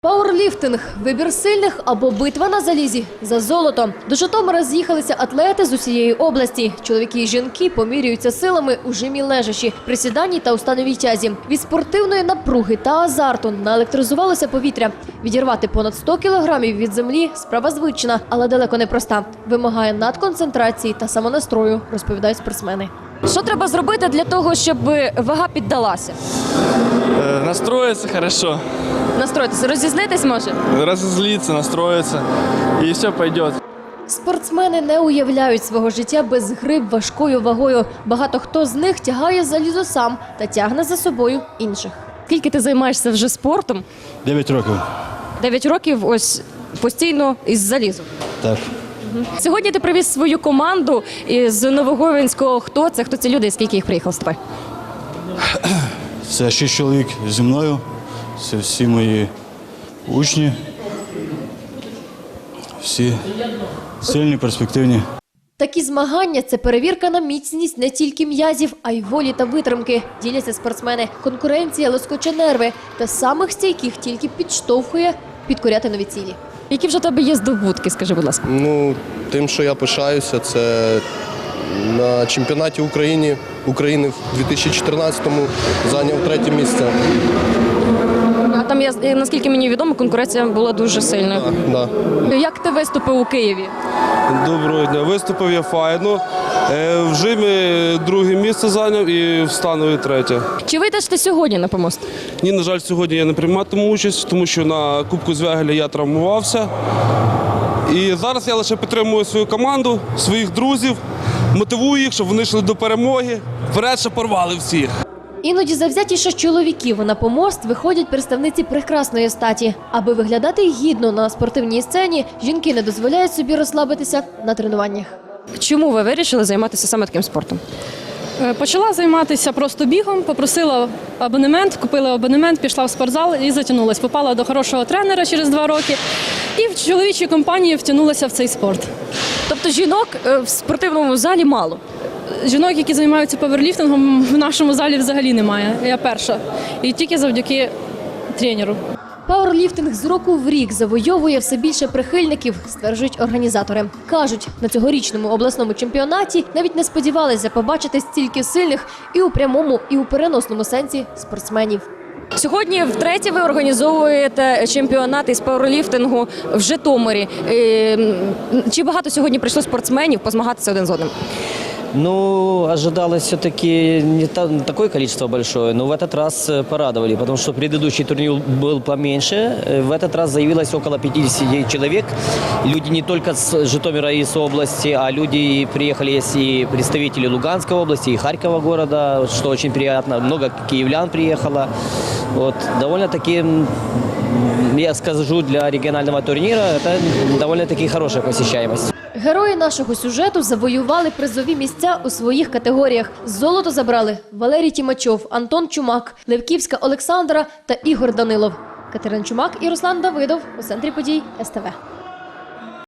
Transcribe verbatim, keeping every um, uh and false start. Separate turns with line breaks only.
Пауерліфтинг – вибір сильних або битва на залізі за золото. До Житомира з'їхалися атлети з усієї області. Чоловіки і жінки помірюються силами у жимі лежачі, присіданні та у становій тязі. Від спортивної напруги та азарту наелектризувалося повітря. Відірвати понад сто кілограмів від землі – справа звична, але далеко не проста. Вимагає надконцентрації та самонастрою, розповідають спортсмени. Що треба зробити для того, щоб вага піддалася?
Э, настроиться хорошо.
Настроїтися, розізлитись може?
Разозлиться, настроиться, и все пойдет.
Спортсмени не уявляють свого життя без гри важкою вагою. Багато хто з них тягає залізо сам та тягне за собою інших. Скільки ти займаєшся вже спортом?
Дев'ять років.
Дев'ять років ось постійно із залізом.
Так.
Сьогодні ти привіз свою команду із Новоговінського. Хто це? Хто ці люди? Скільки їх приїхало з тобою?
Це шість чоловік зі мною. Це всі мої учні. Всі сильні, перспективні.
Такі змагання – це перевірка на міцність не тільки м'язів, а й волі та витримки. Діляться спортсмени. Конкуренція лоскоче нерви. Та самих стійких тільки підштовхує підкоряти нові цілі. Які вже в тебе є здобутки, скажи, будь ласка?
Ну, тим, що я пишаюся, це на чемпіонаті України, України в дві тисячі чотирнадцятому зайняв третє місце.
А там, я, наскільки мені відомо, конкуренція була дуже сильною.
Да, да.
Як ти виступив у Києві?
Доброго дня. Виступив я файно. Е, В жимі друге місце зайняв і в станові третє.
Чи вийдеш ти сьогодні на помост?
Ні, на жаль, сьогодні я не прийматиму участь, тому що на Кубку Звягеля я травмувався. І зараз я лише підтримую свою команду, своїх друзів, мотивую їх, щоб вони йшли до перемоги. Вперед, щоб порвали всіх.
Іноді завзятіше чоловіків на помост виходять представниці прекрасної статі. Аби виглядати гідно на спортивній сцені, жінки не дозволяють собі розслабитися на тренуваннях. Чому ви вирішили займатися саме таким спортом?
Почала займатися просто бігом, попросила абонемент, купила абонемент, пішла в спортзал і затягнулась. Попала до хорошого тренера через два роки і в чоловічій компанії втягнулася в цей спорт.
Тобто жінок в спортивному залі мало?
Жінок, які займаються паверліфтингом, в нашому залі взагалі немає. Я перша. І тільки завдяки тренеру.
Пауерліфтинг з року в рік завойовує все більше прихильників, стверджують організатори. Кажуть, на цьогорічному обласному чемпіонаті навіть не сподівалися побачити стільки сильних і у прямому, і у переносному сенсі спортсменів. Сьогодні втретє ви організовуєте чемпіонат із пауерліфтингу в Житомирі. Чи багато сьогодні прийшло спортсменів позмагатися один з одним?
Ну, ожидалось все-таки не та, такое количество большое, но в этот раз порадовали, потому что предыдущий турнир был поменьше. В этот раз заявилось около пятидесяти человек. Люди не только с Житомира и с области, а люди приехали есть и представители Луганской области, и Харькова города, что очень приятно. Много киевлян приехало. Вот, довольно-таки, я скажу, для регионального турнира это довольно-таки хорошая посещаемость.
Герої нашого сюжету завоювали призові місця у своїх категоріях. Золото забрали Валерій Тімачов, Антон Чумак, Левківська Олександра та Ігор Данилов. Катерина Чумак і Руслан Давидов у центрі подій ес те ве.